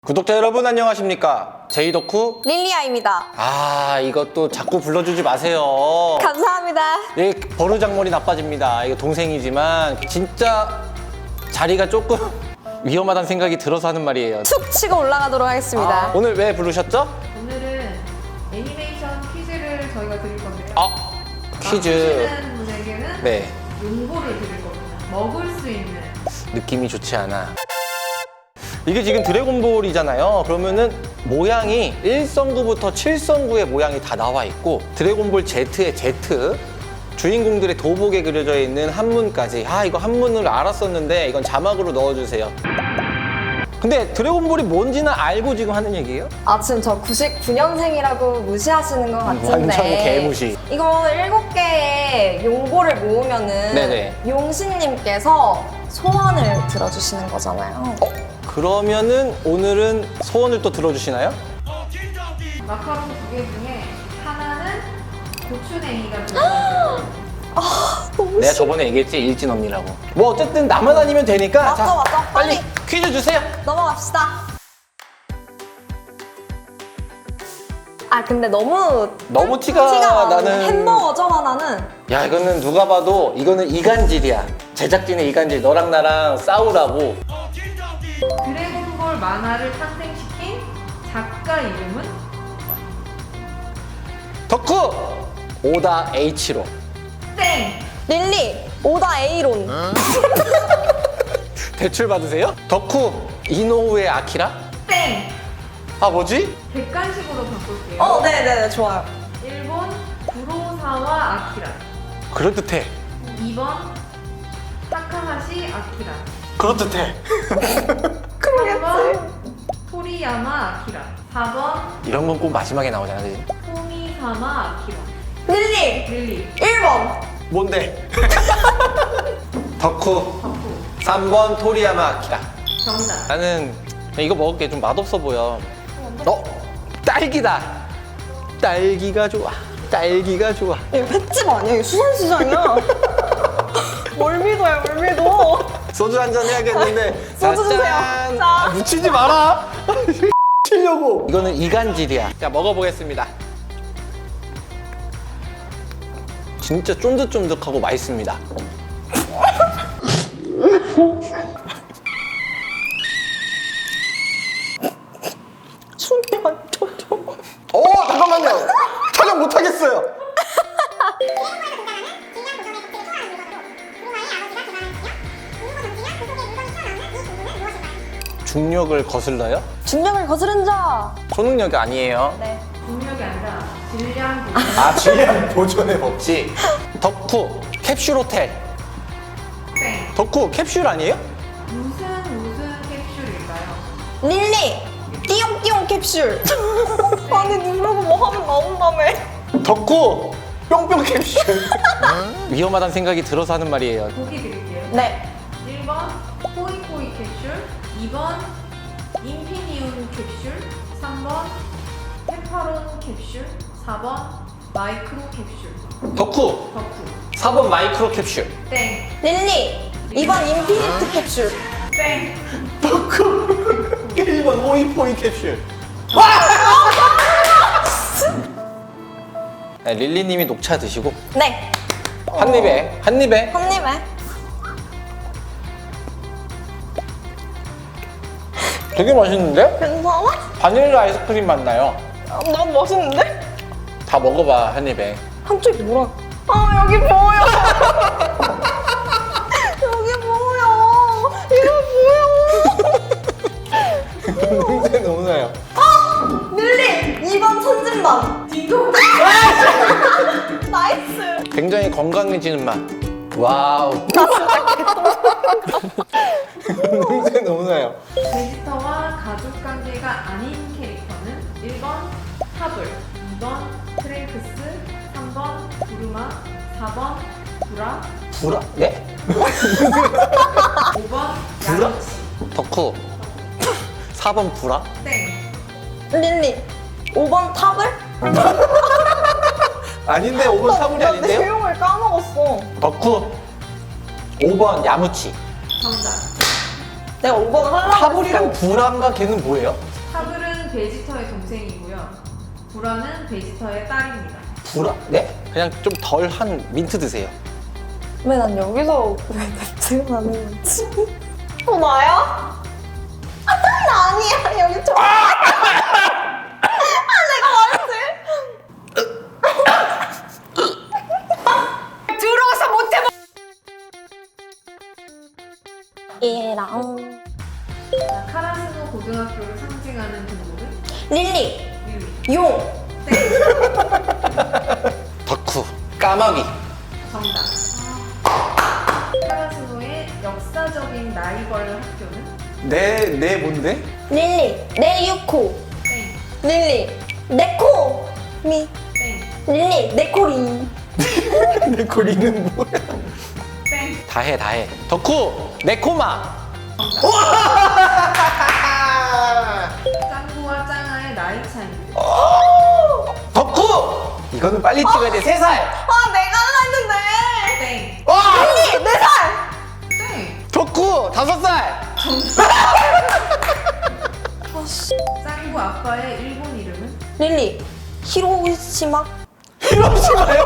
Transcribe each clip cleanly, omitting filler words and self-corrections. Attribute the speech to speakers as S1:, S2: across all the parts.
S1: 구독자 여러분 안녕하십니까? 제이덕후
S2: 릴리아입니다.
S1: 이것도 자꾸 불러주지 마세요.
S2: 감사합니다.
S1: 예, 버르장머리 나빠집니다. 이거 동생이지만 진짜 자리가 조금 위험하다는 생각이 들어서 하는 말이에요.
S2: 툭 치고 올라가도록 하겠습니다.
S1: 오늘 왜 부르셨죠?
S3: 오늘은 애니메이션 퀴즈를 저희가 드릴 건데요.
S1: 퀴즈.
S3: 맞히시는 분에게는
S1: 네,
S3: 용보를 드릴 겁니다. 먹을 수 있는.
S1: 느낌이 좋지 않아. 이게 지금 드래곤볼이잖아요. 그러면은 모양이 1성구부터 7성구의 모양이 다 나와 있고 드래곤볼 Z의 Z 주인공들의 도복에 그려져 있는 한문까지 이거 한문을 알았었는데 이건 자막으로 넣어주세요. 근데 드래곤볼이 뭔지는 알고 지금 하는 얘기예요?
S2: 지금 저 99년생이라고 무시하시는 것 같은데.
S1: 완전 개무시.
S2: 이거 7개의 용보를 모으면은
S1: 네네.
S2: 용신님께서 소원을 들어주시는 거잖아요.
S1: 그러면은 오늘은 소원을 또 들어주시나요?
S3: 마카롱 2개 중에 하나는 고추냉이가 들어있어요.
S2: 너무
S1: 내가 저번에 얘기했지 일진 언니라고. 뭐 어쨌든 나만 아니면 되니까
S2: 맞죠.
S1: 빨리
S2: 빨리
S1: 퀴즈 주세요.
S2: 넘어갑시다. 근데 너무
S1: 티가 나는
S2: 햄버거죠, 하나는.
S1: 야, 이거는 누가 봐도 이거는 이간질이야. 제작진의 이간질. 너랑 나랑 싸우라고.
S3: 드래곤볼 만화를 탄생시킨 작가 이름은?
S1: 덕후 오다 H로.
S3: 땡!
S2: 릴리 오다 A론.
S1: 대출 받으세요? 덕후 이노우의 아키라?
S3: 땡!
S1: 뭐지?
S3: 객관식으로 바꿀게요.
S2: 네네네, 좋아요.
S3: 1번 구로사와 아키라.
S1: 그럴듯해.
S3: 2번 타카하시 아키라.
S1: 그럴듯해.
S3: 3번 토리야마 아키라. 4번
S1: 이런 건 꼭 마지막에 나오잖아, 그지?
S3: 토미사마 아키라.
S2: 릴리
S3: 릴리
S2: 1번.
S1: 뭔데? 덕후
S3: 덕후
S1: 3번 토리야마 아키라.
S3: 정답.
S1: 나는 이거 먹을게 좀 맛없어 보여. 딸기다. 딸기가 좋아. 딸기가 좋아.
S2: 이거 횟집 아니야? 이거 수산시장이야. 월미도야, 월미도.
S1: 소주 한잔 해야겠는데.
S2: 소주 주세요.
S1: 짠.
S2: 자.
S1: 묻히지 마라. 치려고. 이거는 이간질이야. 자, 먹어보겠습니다. 진짜 쫀득쫀득하고 맛있습니다.
S2: 숨이 안 춰져.
S1: 잠깐만요. 촬영 못하겠어요. 중력을 거슬러요?
S2: 중력을 거스른 자.
S1: 초능력이 아니에요.
S2: 네.
S3: 중력이 아니라 질량 보존.
S1: 질량 보존의 법칙. 덕후 캡슐 호텔.
S3: 땡.
S1: 덕후 캡슐 아니에요?
S3: 무슨 캡슐일까요?
S2: 릴리 띠용띠용 캡슐. 아니 누르고 뭐 하면 나온다며.
S1: 덕후 뿅뿅 캡슐. 위험하다는 생각이 들어서 하는 말이에요.
S3: 보기 드릴게요.
S2: 네.
S3: 1번 포이포이 캡슐, 2번 인피니움 캡슐, 3번 페파론 캡슐, 4번 마이크로 캡슐.
S1: 덕후
S3: 덕후.
S1: 4번 마이크로 캡슐.
S3: 땡.
S2: 릴리 2번 인피니트 캡슐.
S3: 땡.
S1: 덕후 1번 호이포이 캡슐. 네, 릴리님이 녹차 드시고
S2: 네.
S1: 한 입에
S2: 한 입에.
S1: 되게 맛있는데?
S2: 괜찮아?
S1: 바닐라 아이스크림 맛 나요.
S2: 난 맛있는데?
S1: 다 먹어봐 한 입에.
S2: 한쪽이 뭐라? 여기 보여. 여기 보여. 이거 보여.
S1: 냄새 너무 나요.
S2: 릴리 2번 천진반.
S3: 딩동.
S2: 나이스.
S1: 굉장히 건강해지는 맛. 와우. 냄새 너무 나요.
S3: 베지터와 가족 관계가 아닌 캐릭터는 1번 타블, 2번 트랭크스, 3번 부르마, 4번 브라,
S1: 불아? 네?
S3: 5번
S1: 브라?
S3: 야로치.
S1: 덕후 4번 불아?
S3: 땡.
S2: 릴리 5번 탑을?
S1: 아닌데 5번 사물이 아닌데요?
S2: 내용을 까먹었어.
S1: 덕후 5번 야무치.
S3: 정답.
S2: 내가 5번을 하려고
S1: 타블이랑 불안가 걔는 뭐예요?
S3: 베지터의 동생이고요. 불어는 베지터의 딸입니다.
S1: 불아? 네? 그냥 좀 덜한 민트 드세요.
S2: 왜 난 여기서 왜 냄새가 나는 거지? 나야? 나 아니야. 여기 좀. 내가 말했지. 들어와서 못해. 얘랑
S3: 자, 카라스노 고등학교를 상징하는 동물은
S2: 릴리,
S3: 릴리.
S2: 용,
S1: 덕후, 까마귀.
S3: 정답. 카라스노의 역사적인 라이벌 학교는
S1: 내 뭔데?
S2: 릴리, 네유코,
S3: 땡,
S2: 릴리, 네코, 미,
S3: 땡,
S2: 릴리, 네코리.
S1: 내 고리는 뭐야?
S3: 땡.
S1: 다 해. 덕후, 네코마.
S3: 짱구와 짱아의 나이 차이는
S1: 덕후! 이거는 빨리 찍어야 돼. 3살.
S2: 아, 내가 하려 했는데.
S3: 땡,
S1: 와!
S2: 릴리, 4살.
S3: 땡.
S1: 덕후, 5살.
S3: 짱구 아빠의 일본 이름은
S2: 릴리, 히로시마.
S1: 히로시마요?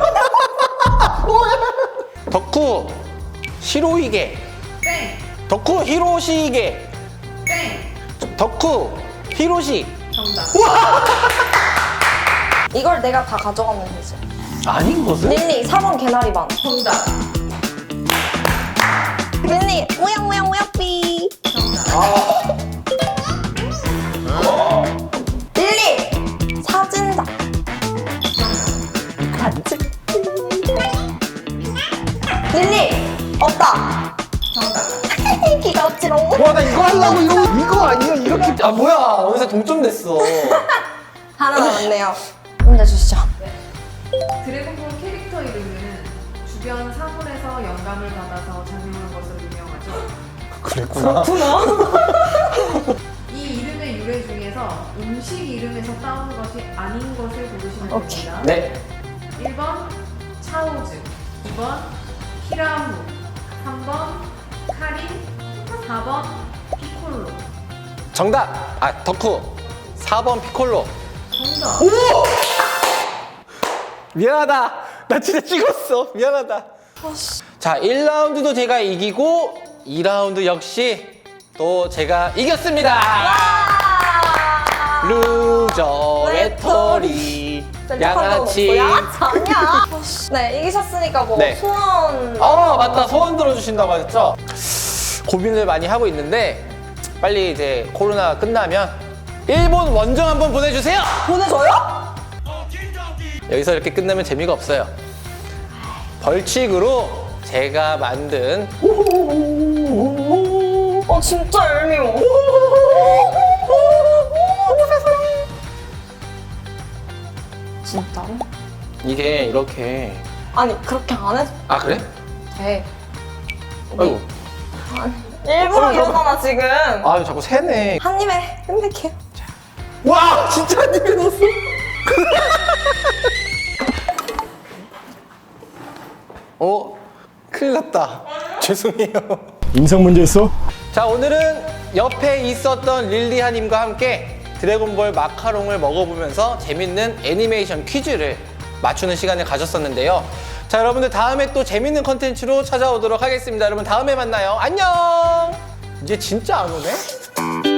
S1: 덕후, 시로이게.
S3: 땡,
S1: 덕후, 히로시이게.
S3: 땡.
S1: 덕후, 히로시.
S3: 정답.
S2: 이걸 내가 다 가져가면 되지.
S1: 아닌 것은?
S2: 릴리, 4번 개나리반.
S3: 정답.
S2: 릴리, 우양우양우양삐.
S3: 정답.
S2: 릴리, 사진작. 맞지? 릴리, 없다.
S3: 정답.
S2: 기가 없지롱.
S1: 와, 나 이거 하려고 이거 아니야? 이렇게. 아, 뭐야. 어느새 동점 됐어.
S2: 하나 남았네요. 문제 주시죠.
S3: 드래곤볼 캐릭터 이름은 주변 사물에서 영감을 받아서 작용한 것으로 유명하죠.
S1: 그랬구나.
S3: 이 이름의 유래 중에서 음식 이름에서 따온 것이 아닌 것을 고르시면
S2: 오케이.
S3: 됩니다.
S1: 네.
S3: 1번 차오즈, 2번 히라무, 3번 카린, 4번 피콜로.
S1: 정답. 아, 덕후. 4번 피콜로.
S3: 정답.
S1: 미안하다. 나 진짜 찍었어. 미안하다. 자, 1라운드도 제가 이기고 2라운드 역시 또 제가 이겼습니다. 루저 외톨이 양아치.
S2: 양아치 아니야. 네, 이기셨으니까 뭐
S1: 네.
S2: 소원.
S1: 맞다. 소원 들어주신다고 하셨죠? 고민을 많이 하고 있는데 빨리 이제 코로나 끝나면 일본 원정 한번 보내주세요.
S2: 보내줘요?
S1: 여기서 이렇게 끝나면 재미가 없어요. 벌칙으로 제가 만든
S2: 진짜 얄미워. 진짜로?
S1: 이게 이렇게.
S2: 아니, 그렇게 안 해도
S1: 아, 그래?
S2: 돼.
S1: 아이고.
S2: 일부러 이러잖아, 지금.
S1: 아, 자꾸 새네.
S2: 한 입에 끝낼게요.
S1: 와, 진짜 한 입에 넣었어. 큰일 났다. 죄송해요.
S4: 인성 문제 있어?
S1: 자, 오늘은 옆에 있었던 릴리아님과 함께 드래곤볼 마카롱을 먹어보면서 재밌는 애니메이션 퀴즈를 맞추는 시간을 가졌었는데요. 자, 여러분들 다음에 또 재밌는 컨텐츠로 찾아오도록 하겠습니다. 여러분 다음에 만나요. 안녕! 이제 진짜 안 오네?